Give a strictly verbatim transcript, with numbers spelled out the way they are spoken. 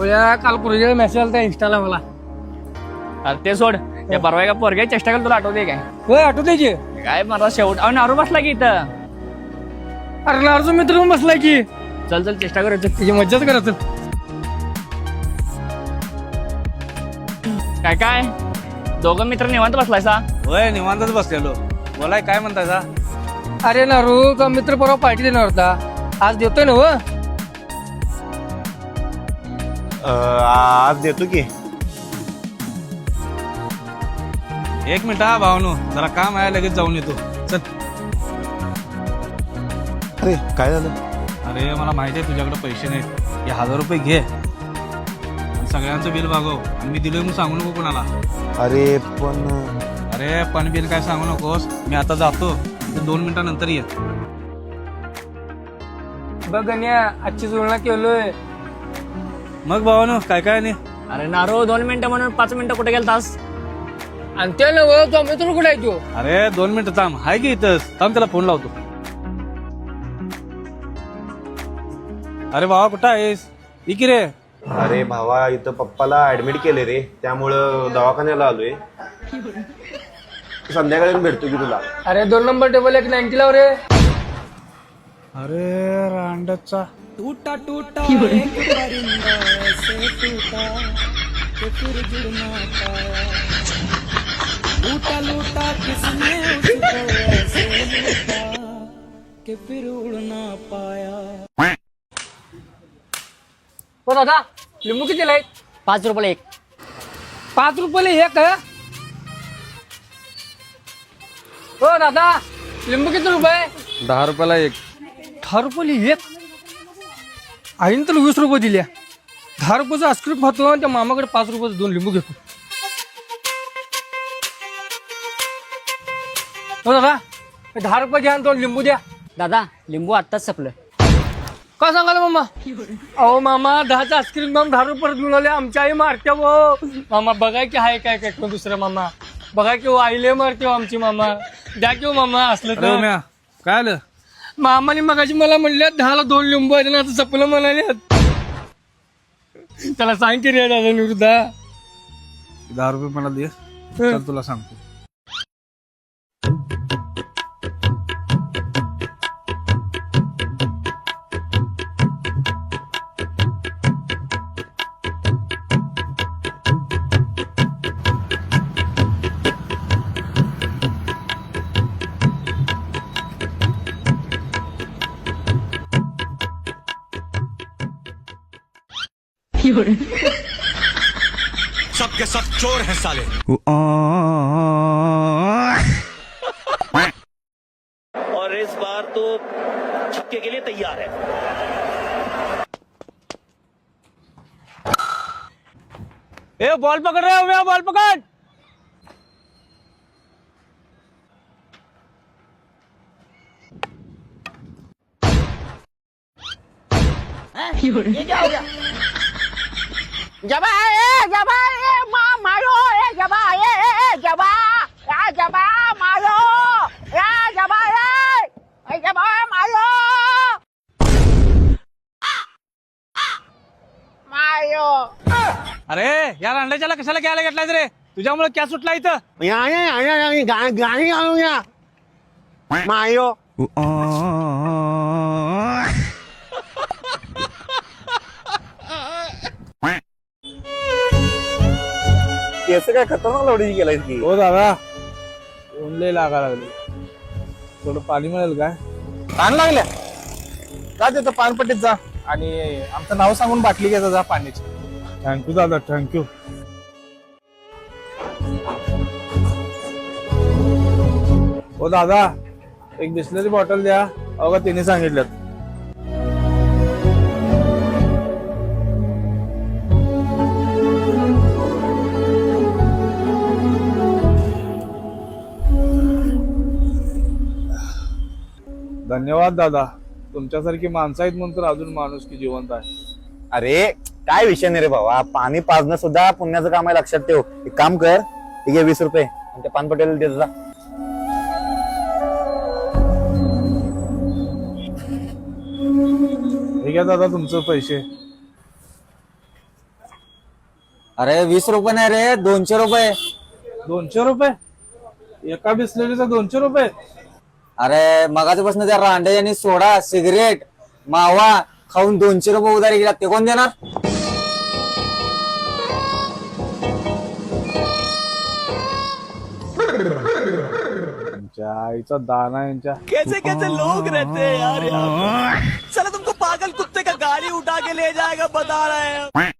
भैया काल पूर्वी मेसेज आलता इंस्टाला मला. अरे ते सोड त्या परवा का पोरग्या चेष्टा केली तुला आठवते काय होय आठवते की. काय मला शेवट अहो नारू बसला की इथं. अरे नारचा मित्र पण बसलाय की. चल चल चेष्टा करायचं त्याची मज्जाच करायचं. काय काय दोघं मित्र निवांत बसलायसा. होय निवांतच बसलेलो. बोलाय काय म्हणताय सा? अरे नारू तो मित्र परवा पार्टी देणार होता, आज देतोय ना. हो आज देतो की. एक मिनिट हा भावनो, जरा काम आहे लगेच जाऊन येतो. चल. अरे काय झालं? अरे मला माहिती आहे तुझ्याकडे पैसे नाहीत, हे हजार रुपये घे आणि सगळ्यांचं बिल भागव आणि मी दिलोय म्हणून सांगू नको कोणाला. अरे पण अरे पण बिल काय सांगू नकोस, मी आता जातो, तू दोन मिनिटानंतर ये. बघ गण्या आजची जुळणा केलोय. मग भावानो काय काय नाही. अरे नारो दोन मिनिटं म्हणून पाच मिनिटं कुठे गेलतास. आणि ते नव तो मित्र कुठे आहे तो. अरे दोन मिनिटं थांब, हाय की इथंच थांब, त्याला फोन लावतो. अरे भावा कुठं आहेस? इकी रे. अरे भावा इथं पप्पाला ऍडमिट केले रे, त्यामुळं दवाखान्याला आलोय. संध्याकाळी भेटतो की तुला. अरे दोन नंबर टेबल एक नाईन्टी लाव रे. अरे रांडचा टूटा टूटा एक परिंदा ऐसे टूटा कि फिर जुड़ ना पाया, लूटा लूटा किसने उसको ऐसे लूटा कि फिर उड़ ना पाया. हो दादा लिंबू किती आहेत? पाच रुपये एक. पाच रुपये एक. हो दादा लिंबू किती रुपये? दहा रुपयाला एक. दहा रुपये एक. आईने तर वीस रुपये दिल्या. दहा रुपयाचं आईस्क्रीम खातो आणि त्या मामाकडे पाच रुपयाचं दोन लिंबू घेतो. हो दादा दहा रुपये द्या आणि दोन लिंबू द्या. दादा लिंबू आत्ताच संपलं. का सांगाल मामा? अहो मामा दहाचं आईस्क्रीम माम दहा रुपये घेऊन आले. आमच्या आई मारते हो मामा. बघा की हाय काय काय कोण दुसरं मामा. बघा की आईले मारते हो आमची मामा. द्या की मामा असलं अरे तर. उम्या, काय आलं? मामाने मगाशी मला म्हणले दहाला दोन लिंबू आहेत ना, आता सपलं म्हणाले. त्याला सांग की रे दादा निवृद्धा. दहा रुपये मला दे, चल तुला सांगतो. सब के सब चोर हैं साले. और इस बार तो छक्के के लिए तैयार है. ए बॉल पकड़ रहे हो उम्या, बॉल पकड़. ये क्या हो गया? जबा ए जबा ए माँ मारो ए जबा ए ए जबा या जबा मारो या जबा ए ए जबा मारो मारो. अरे या रांडाच्याला कशाला घ्यायला घेतलाय रे? तुझ्यामुळे क्या सुटला इथं? गाणी गाणी मायो. केस काय खतरनाक लवडी गेलाय की. हो दादा ऊन लय लागा लागले, थोडं पाणी मिळेल काय? ताण लागल्या जा तिथं पानपट्टीत जा आणि आमचं नाव सांगून बाटली घ्यायचा जा पाण्याची. थँक्यू दादा, थँक्यू. हो दादा एक बिस्लरी बॉटल द्या. अगं तिने सांगितलं. धन्यवाद दादा, तुमच्यासारखी माणसं आहेत म्हणून तर अजून माणूस की जिवंत आहे. अरे काय विषय नाही रे भावा, पाणी पाजणं सुद्धा पुण्याचं काम आहे, लक्षात ठेव. एक काम कर, ठीक आहे वीस रुपये आणि ते पानपटेल देत जा. हे घ्या दादा तुमचं पैसे. अरे वीस रुपये नाही रे, दोनशे रुपये. दोनशे रुपये एका बिस्लरीचा दोनशे रुपये. अरे मगाच्यापासून त्या रांडे यांनी सोडा, सिगरेट, मावा खाऊन दोनशे रुपये उधारी गेला, ते कोण देणार? यांच्या आईचा दाना यांच्या. कैसे कैसे लोग रहते हैं यार यहाँ पे। साला तुमको पागल कुत्ते का गाड़ी उठा के ले जाएगा बता रहे हैं